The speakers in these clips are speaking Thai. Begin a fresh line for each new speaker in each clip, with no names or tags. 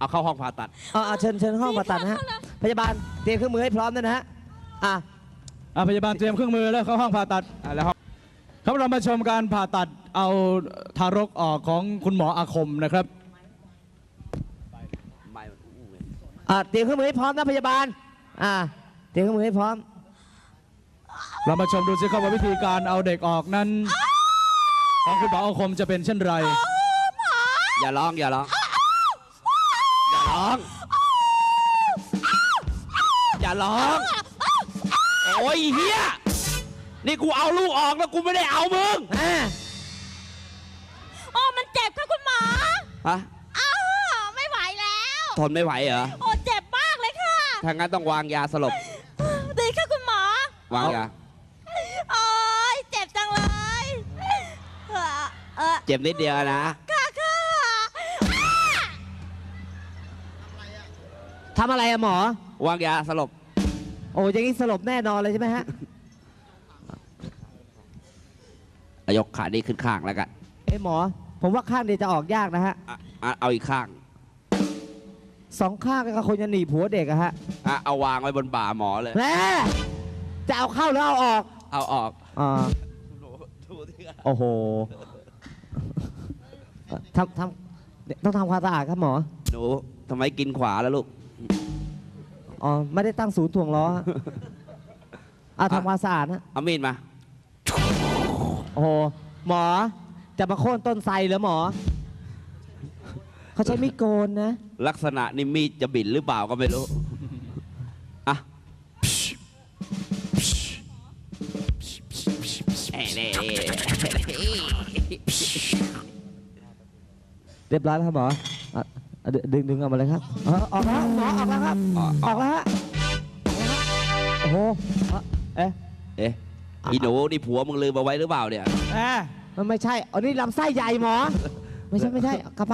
เอาเข้าห้องผ่าตัด
เชิญห้องผ่าตัดนะฮะพยาบาลเตรียมเครื่องมือให้พร้อมด้วยนะฮะ
พยาบาลเตรียมเครื่องมือแล้วเข้าห้องผ่าตัดแล้วครับเรามาชมการผ่าตัดเอาทารกออกของคุณหมออาคมนะครับ
เตรียมเครื่องมือให้พร้อมนะพยาบาลเตรียมเครื่องมือให้พร้อม
เรามาชมดูสิครับว่าวิธีการเอาเด็กออกนั้นของคุณหมออาคมจะเป็นเช่นไร
อย่าร้องอย่าร้องอย่าร้องอย่าร้องโอ้ยเฮียนี่กูเอาลูกออกแล้วกูไม่ได้เอามึง
มันเจ็บค่ะคุณหมอ
ฮะ
ไม่ไหวแล้ว
ทนไม่ไหวเหรอ
เจ็บมากเลยค่ะ
ถ้างั้นต้องวางยาสลบ
ดีค่ะคุณหมอ
วางยา
เจ็บจังเลย
เจ็บนิดเดียวนะ
ค่ะ
ทำอะไรหมอ
วางยาสลบ
อย่างนี้สลบแน่นอนเลยใช่ไหมฮะ
ยกขานี้ขึ้นข้างแล้วกัน
หมอผมว่าข้างเดียวจะออกยากนะฮะ
เอาอีกข้าง
2 ข้างก็คงจะหนีผัวเด็กอะฮะ
เอาวางไว้บนบ่าหมอเลย
แม่จะเอาเข้าหรือเอาออก
เอาออก
โอ้โหต้องทำความสะอาดครับหมอ
หนูทำไมกินขวาแล้วลูก
ไม่ได้ตั้งศูนย์ถ่วงล้อทำความสะอาดนะ
เอามีดมา
โอ้โหหมอจะมาโค่นต้นไทรเหรอหมอเขาใช้มีดโกนนะ
ลักษณะนี่มีดจะบินหรือเปล่าก็ไม่รู้
เรียบร้อยแล้วครับหมอดึงออกมาเลยครับออกแล้วหมอออกแล้วครับออกแล้วฮะโอ้โห
อีหนูนี่ผัวมึงลืมเอาไว้หรือเปล่าเนี่ย
มันไม่ใช่นี่ลำไส้ใหญ่หมอไม่ใช่กลับไป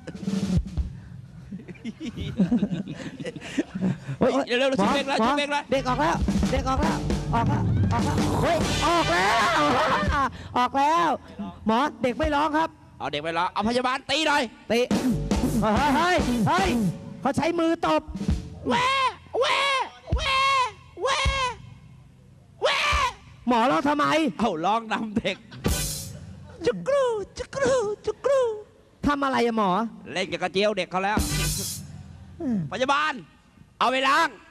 เร็วๆชิบเบกแล้วชิบเบกแล้ว
เด็กออกแล้วเฮ้ยออกแล้วหมอเด็กไม่ร้องครับ
เอาเด็กไปร้องเอาพยาบาลตีหน่อย
ตีเฮ้ยเขาใช้มือตบแหวหมอร้องทำไม
ร้องนำเด็ก
จุกรูทำอะไรอะหมอ
เล่นกับกระเจียวเด็กเขาแล้วพยาบาลเอาไปล้าง